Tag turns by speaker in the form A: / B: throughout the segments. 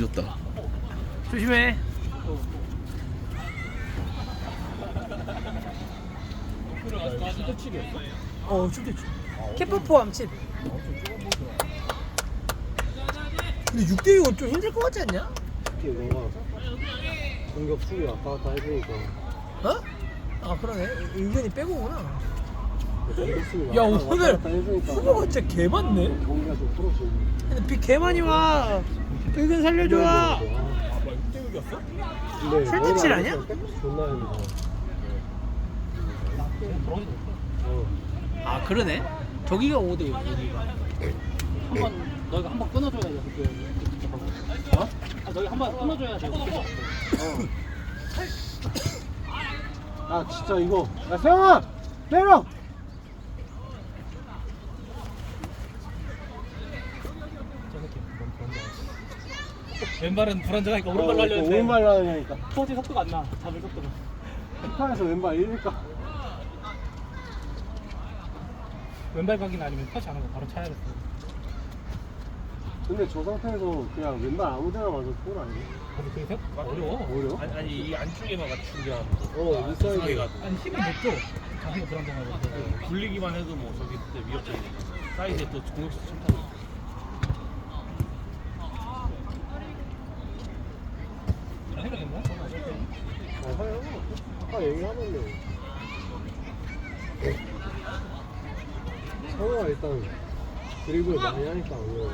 A: 뒤졌다.
B: 조심해. 춥대치. 캐퍼포 암칩. 근데 6대6은 좀 힘들 것 같지 않냐?
C: 특히 뭔가 공격 수비 왔다 갔다 해주니까
B: 어? 아 그러네. 은근히 빼고구나.
C: 공격 수비
B: 야
C: 왔다
B: 오늘
C: 갔다 해주니까
B: 후보가 진짜 개 많네.
C: 경기가 좀 풀어지고.
B: 근데 비 개 많이 와. 은근 살려줘.
C: 근데
B: 설득질 아니야?
C: 존나 힘들어.
B: 아 그러네. 저기가 5대6 여기가.
D: 너희가 한번 끊어줘야 돼. 어? 아, 너희 한번 끊어줘야 돼.
C: 아 진짜 이거 야 세영아 내려.
D: 왼발은 불안정하니까 오른발로 하려 했는데
C: 오른발로 하려니까
D: 터지 속도가 안 나. 잡을 속도가.
C: 피타에서 왼발 이니까
D: 왼발 각이나 아니면 터치 안 하고 바로 차야겠어.
C: 근데 저 상태에서 그냥 왼발 아무데나 맞아도 볼 아니야?
D: 근데 그게 생각보다 어려워.
C: 어려워?
A: 아니 이 안쪽에만 맞추면
C: 인사이드
D: 아니 힘을 못 줘. 자기가 불안정하고.
A: 굴리기만 해도 뭐 저기 그때 위협적이니까 사이드에 또 공격수 침투하고 있고.
D: 생각했나?
C: 아 하요 아까 얘기하면은 성우가 일단 드리블 많이 하니까 어려워.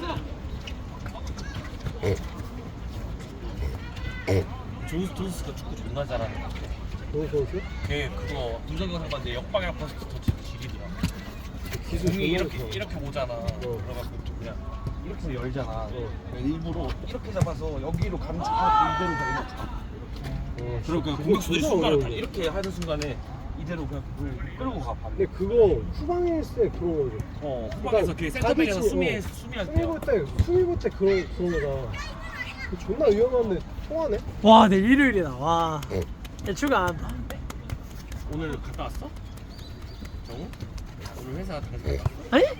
A: 존스가 축구 존나 잘하는 것 같아.
C: 좋은 선수?
A: 걔 그거 김성경 선수 봤는데 역방향 퍼스트 터치 지리더라.
C: 기술
A: 공이
C: 존나
A: 이렇게
C: 좋아.
A: 이렇게 오잖아. 그래갖고 좀 그냥 이렇게 해서 열잖아. 일부러 이렇게 잡아서 여기로 감축하고 이대로 그냥 그리고 그 공격수들이
C: 진짜
A: 순간을 다
C: 어려워.
A: 이렇게 하는 순간에 이대로 그냥 그걸 끌고 가 봐.
C: 근데 그거 후방에 있을 때 그런 거죠.
A: 후방에서 그 센터백에서 수미할 때.
C: 수미 볼 때 그런 거다. 그 존나 위험한데 통하네.
B: 와 내일 일요일이다. 와. 야 출근 안 한다.
A: 오늘 갔다 왔어? 정우? 오늘 회사 다녀서 갔다 왔어?
B: 아니?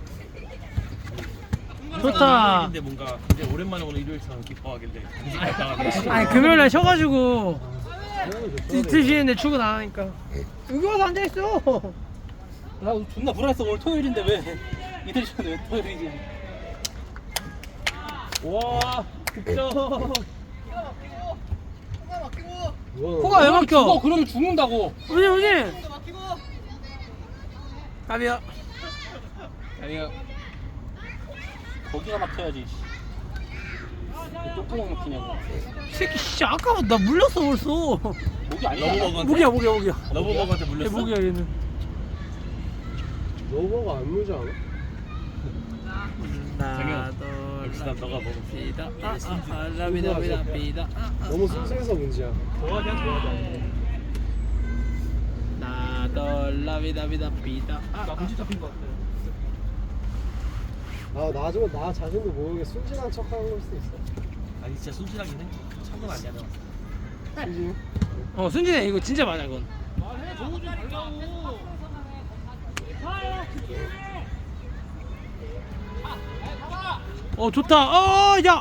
B: 좋다.
A: 근데 뭔가 굉장히 오랜만에 오는 일요일처럼 기뻐하길래 당신 갔다 왔네.
B: 아니 금요일날 쉬어가지고
C: 당연히
B: 이틀 쉬는데 출근 안 하니까 여기 와서 앉아 있어.
D: 나 존나 불안했어. 오늘 토요일인데 왜 이틀 전에 왜 토요일이지?
A: 와 득점.
B: 코가 왜 막혀?
D: 죽어 그러면 죽는다고.
B: 우지. 가비야.
D: 아니야. 거기가 막혀야지. 왜 똥구멍 막히냐고.
B: 새끼 씨 아까 나 물렸어 벌써.
D: 목이 아니야.
A: 러브버거한테?
B: 목이야.
A: 러브버거한테
B: 얘
A: 물렸어?
B: 목이야 얘는.
C: 너버가 안 물지 않아?
B: 나도
A: 역시 난 너가 먹어.
B: 비다. 라비다 비다.
C: 너무 쑥스해서 문제야.
B: 나도 라비다 비다.
D: 나 문제 잡힌 거 같아.
C: 나중에 나 자신도 모르게 순진한 척하는 걸 수도 있어.
A: 아니 진짜 순진하긴 해. 참건 아니야 내가.
C: 순진?
B: 순진해 이거 진짜 맞아 이건.
D: 말해 정우 좀 달라고.
B: 좋다. 야.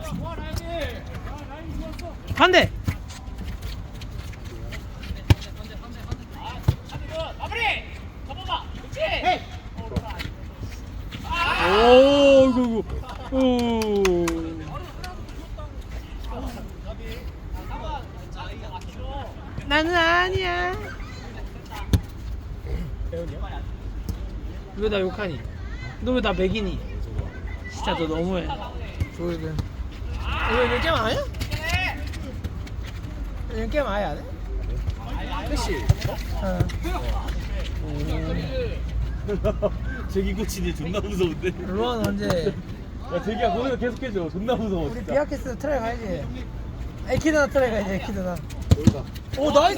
B: 반대. 오, 이거. 오. 나는 아니야. 왜 나 욕하니? 너 왜 나 맥이니? 진짜 너 너무해. 조일근. 이거 게임 안 해? 이거 게임 아예 안 해?
A: 패시. 제기 코치니 존나 무서운데.
B: 로안 언제?
A: 야 제기야 거기서 계속해줘. 존나 무서워
B: 우리
A: 진짜.
B: 비아키스 트라이 가야지. 에키드나 트라이 가야지. 에키드나.
C: 여기다.
B: 오 나이스!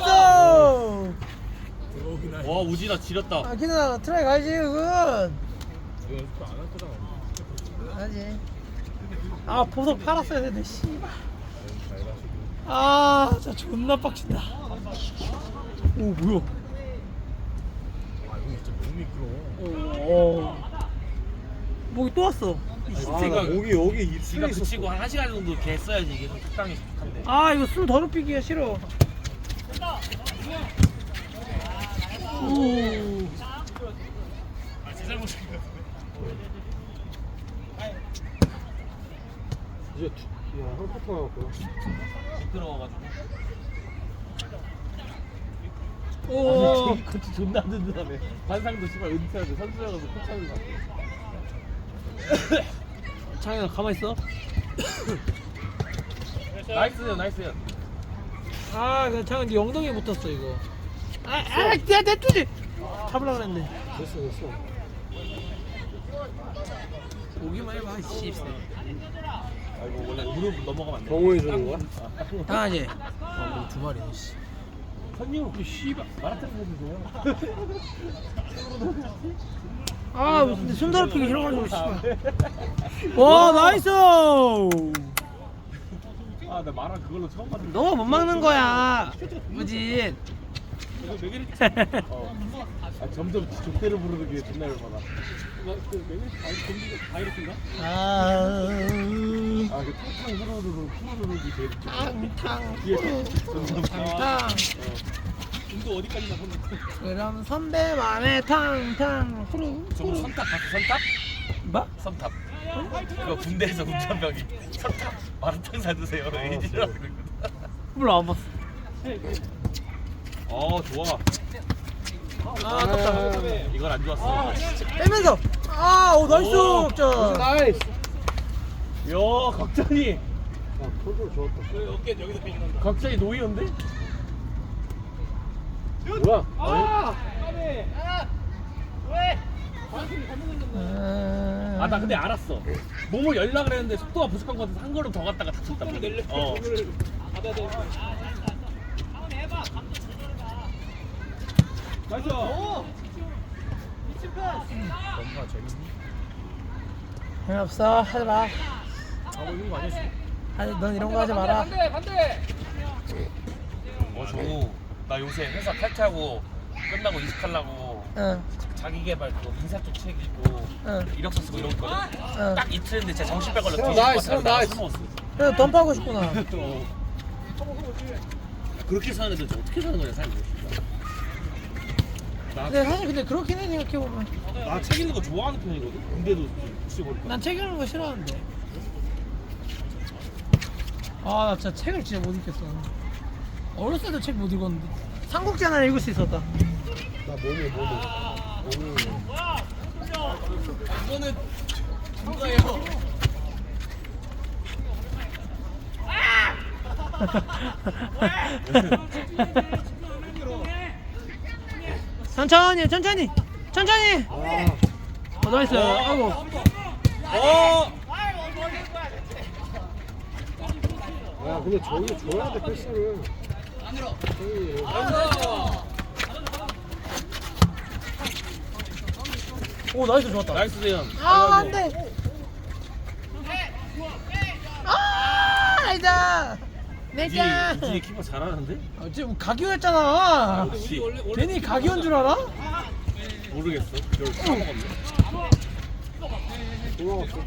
A: 와 우진아 지렸다.
B: 에키드나 트라이 가야지 그건.
A: 이거 연습 안할 거잖아.
B: 하지. 아 보석 팔았어야 되는데 씨발. 아 진짜 존나 빡친다. 오 뭐야?
A: 아 이거 진짜 너무 미끄러워.
B: 오. 목이 또 왔어.
C: 나 목이 여기
A: 지가
C: 입술에 있었어.
A: 그치고 한 1시간 정도 이렇게 했어야지 이게 좀 적당히 좋던데.
B: 아 이거 술 더럽히기가 싫어. 오.
C: 이제 한 파트 남았구나.
A: 미끄러워가지고.
B: 오.
A: 코치 존나 든든하네. 관상도 씨발 은퇴하고 선수여가지고 코치하는 거 같아.
B: 장현아 가만 있어.
A: 나이스요, 나이스요.
B: 아, 그 장현 네 엉덩이에 붙었어 이거. 내 뚜지. 잡으려고 그랬네.
C: 됐어.
B: 오기만 해봐, 씨.
A: 아이고 원래 무릎 넘어가면 안 돼.
C: 경호해 주는 거야?
B: 당하지. 두 마리네, 씨.
A: 선유, 씨발 마라톤 해주세요.
B: 아, 근데 손 더럽히기 싫어가지고 씨발. 와, 나이스.
A: 아, 나 마라 그걸로 처음 봤는데.
B: 너가 못 막는 거야. 무진.
A: 이거 매기리. 아, 점점 족대를 부르는 게 존나 열받아.
D: 그 매일 바이러스인가?
B: 아,
A: 그 탕탕 후루루룩이 제일
B: 탕탕.
A: 뒤에 점점
B: 탕탕.
D: 운도 어디까지나 보는
B: 그럼 선배만의 탕탕 후루.
A: 저거 선탑 봤어? 선탑?
B: 뭐?
A: 선탑. 그거 군대에서 운전병이 선탑 마라탕 사주세요. 이지라고 그러거든.
B: 몰라 안 봤어.
A: 좋아.
B: 아, 아깝다.
A: 이건 안 좋았어.
B: 빼면서. 아, 오 나이스.
A: 오,
B: 자.
C: 나이스.
A: 야, 각jan이.
C: 컨트롤 좋았다.
D: 어깨 여기서 비긴다.
A: 각jan이 노이언데?
C: 뭐야?
A: 아, 나 근데 알았어. 몸을 열라 그랬는데 속도가 부족한 것 같아서 한 걸음 더 갔다가 다쳤다. 어.
D: 받아야 돼.
A: 나이스.
B: 없어 하지 마.
A: 하고 있는 거 아니었어?
B: 아니 넌 이런 거 하지 마라.
A: 정우. 나 요새 회사 탈퇴하고 끝나고 이직하려고
B: 응.
A: 자기 개발 그 인사 쪽 책 읽고
B: 응.
A: 이력서 쓰고 이런 거 있거든.
B: 응.
A: 딱 이틀 했는데 진짜 정신병 걸려.
C: 형,
A: 뒤질 것
C: 나이스,
A: 같아서
C: 형, 나이스.
A: 술 먹었어.
B: 그래 덤프하고 싶구나.
A: 그렇게 사는 애들 어떻게 사는 거냐 삶을.
B: 근데 사실 근데 그렇긴 해 생각해 보면.
A: 나 책 읽는 거 좋아하는 편이거든. 근데도 혹시 모를까.
B: 난 책 읽는 거 싫어하는데. 아, 나 진짜 책을 진짜 못 읽겠어. 어렸을 때도 책 못 읽었는데. 삼국지 하나 읽을 수 있었다.
C: 나 몸이.
A: 이거는 누가요?
B: 천천히, 천천히, 천천히. 나이스. 아이고.
C: 야, 근데 저기 줘야 돼 패스를.
B: 오, 나이스 좋았다.
A: 나이스 대현.
B: 아, 안 돼. 아, 나이스. 내가.
A: 우진이 키퍼 잘하는데?
B: 지금 각이었잖아.
A: 역시
B: 괜히 각이온 줄 알아?
A: 모르겠어. 이걸 까먹었네.
C: 돌아갔어.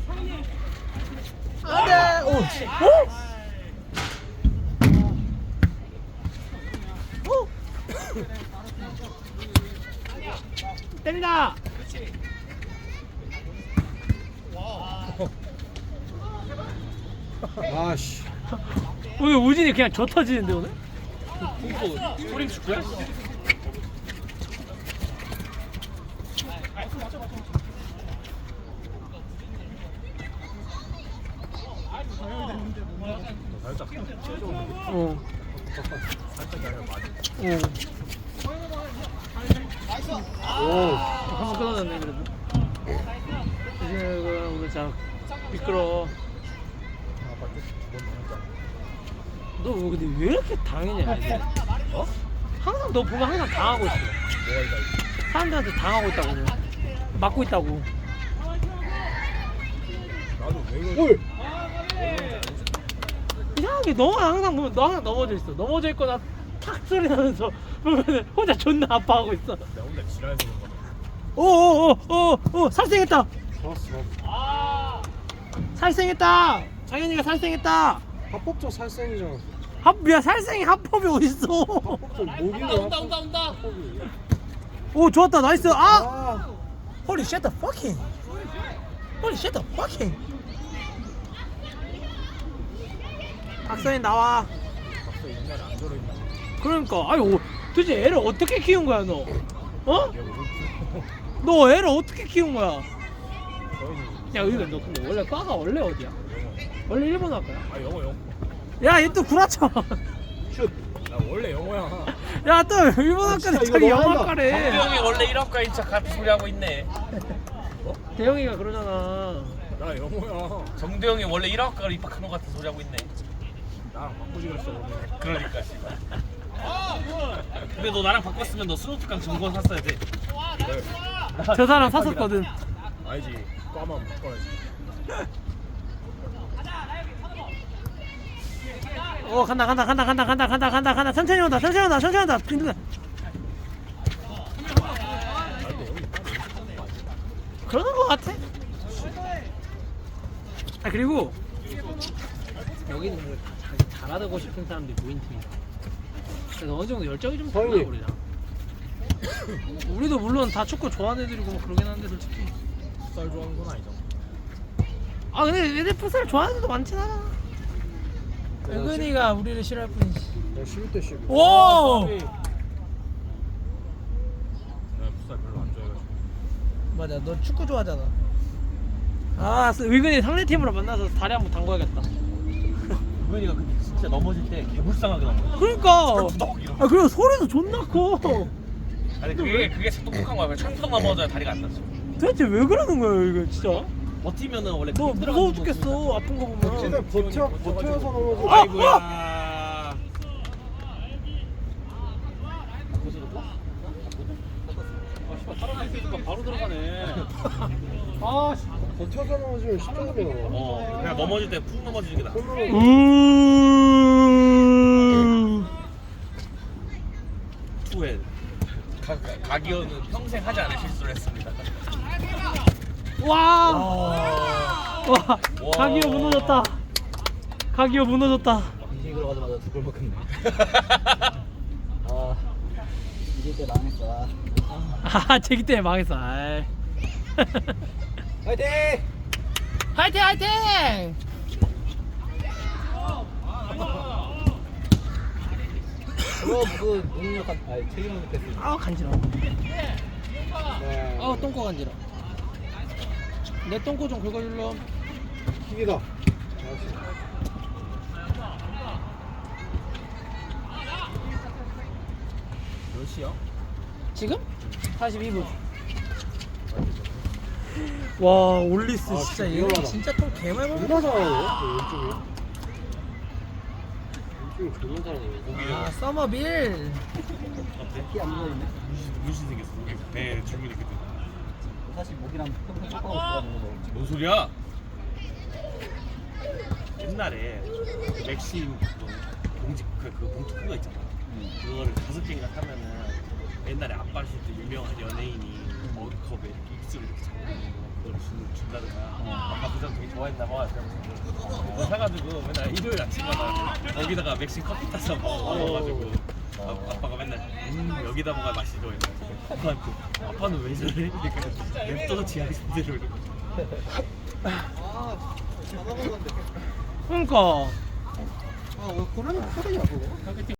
B: 안 돼. 오. 오. 오. 때린다.
C: 아씨.
B: 오늘 우진이 그냥 저 터지는데 오늘?
A: 콩고 스프링 축구야? 살짝
B: 어.
C: 오.
B: 한번 끊어졌네 그래도. 이제 오늘 자 미끄러. 너 근데 왜 이렇게 당했냐 이제? 어? 항상 너 보면 항상 당하고 있어. 사람들한테 당하고 있다고 그냥. 맞고 있다고.
C: 올.
B: 이상하게 너가 항상 보면 너 항상 넘어져 있어. 넘어져 있거나 탁 소리 나면서 보면 혼자 존나 아파하고 있어.
A: 나 혼자 지랄해서 그런 거야.
B: 오오오오오 살생했다.
C: 좋았어.
B: 살생했다. 장현이가 살생했다.
C: 합법적 살생이잖아.
B: 야 살생이 합법이 어딨어?
C: 합법적 모기는
D: 온다.
C: 합법이.
B: 오 좋았다 나이스. 아
C: 아,
B: Holy shit the fucking Holy shit the fucking 박서인 나와. 그러니까 아니 도대체 애를 어떻게 키운 거야 너? 어? 너 애를 어떻게 키운 거야? 야 의근 너 근데 원래 과가 원래 어디야? 원래 일본 학과야?
A: 아 영어.
B: 야 얘 또 구라쳐.
C: 슛.
A: 나 원래 영어야.
B: 야 또 일본 학과네
C: 진짜 이거
B: 저기
C: 너무 한다.
B: 영어학과래.
A: 형이 원래 1학과인 척 같은 소리 하고 있네.
B: 대영이가 그러잖아.
A: 나 영어야. 정대형이 원래 1학과를 입학한 것 같은 소리 하고 있네. 나랑 바꾸지 그랬어 오늘. 그러니까 씨발. 근데 너 나랑 바꿨으면 너 스노트강 증권 샀어야 돼.
B: 저 사람 샀었거든.
A: 아니지. 과만 바꿔야지.
B: 간다. 천천히 온다. 빈둥아. 그러는 거 같아. 아 그리고 여기는 뭐 자기 잘하고 싶은 사람들이 모인 팀이야. 그래서 어느 정도 열정이 좀 달라
C: 형님.
B: 우리랑. 우리도 물론 다 축구 좋아하는 애들이고 뭐 그러긴 한데 솔직히.
A: 풋살 좋아하는 건 아니죠.
B: 아 근데 애들 풋살 좋아하는 애들도 많진 않아. 은근이가 우리를 싫어할 뿐이지.
C: 야, 11대 11.
B: 오!
A: 내가 풋살 별로 안 좋아해가지고.
B: 맞아, 너 축구 좋아하잖아. 아, 의근이 상대 팀으로 만나서 다리 한번 담궈야겠다.
A: 우현이가 근데 진짜 넘어질 때 개불쌍하게 넘어.
B: 그러니까.
A: 구덕 이러고.
B: 아 그리고 소리도 존나 커.
A: 아니 그게 똑똑한 거야. 창구덕 넘어져야 다리가 안 다쳐.
B: 도대체 왜 그러는 거야 이거 진짜?
A: 버티면은 원래
B: 너 무서워 죽겠어 아픈 거 보면.
C: 최대 버텨서 넘어져.
A: 아이고야.
D: 바로 들어가네.
C: 아, 버텨서 넘어지면 십자가네요.
A: 그냥 넘어질 때 푹 넘어지는 게 나아. 투엘. 가기어는 평생 하지 않을 실수를 했습니다.
B: 와.
A: 와.
B: 가기어 무너졌다. 가기어 무너졌다.
D: 인생 들어가자마자 두골 먹혔네. 아 이길 때 망했어.
B: 아 제기 때문에 망했어. 아이.
C: 화이팅!
B: 화이팅!
D: 그럼 그 능력한 책임을 느꼈어.
B: 아우 간지러워.
C: 네.
B: 아우 똥꼬 간지러. 내 똥꼬 좀 긁어줄러.
C: 킥이다.
A: 몇 시야?
B: 지금? 42분. 와 올리스
C: 아,
B: 진짜
C: 진짜
B: 얘
C: 위험하다.
B: 진짜 똥 개말
C: 존나
B: 먹는다.
C: 잘하네. 왼쪽이 존나 잘하네.
B: 아 서머빌.
D: 키안 보이네.
A: 무신 생겼어. 여기 배 줄무늬 그때.
D: 사실 목이랑 평생 쫓아가고 싶어가지고 뭐.
A: 뭔 소리야? 옛날에 맥심 봉지 그 봉투 큰거 있잖아. 그거를 5개인가 사면은 옛날에 아빠 실 때 유명한 연예인이 머그컵에 이렇게 입술을 이렇게 잡고 있는 거 그걸 준다든가. 아빠 그 사람 되게 좋아했나 봐. 그거 사가지고 맨날 일요일 아침마다 거기다가 맥심 커피 타서 먹어가지고 아빠가 맨날 여기다 먹어야 맛이 좋아. 아빠한테 아빠는 왜 저래? 그러니까 냅둬도 지 하기대로 이러고.
B: 그러니까.
C: 아, 왜 그러는 소리야, 그거?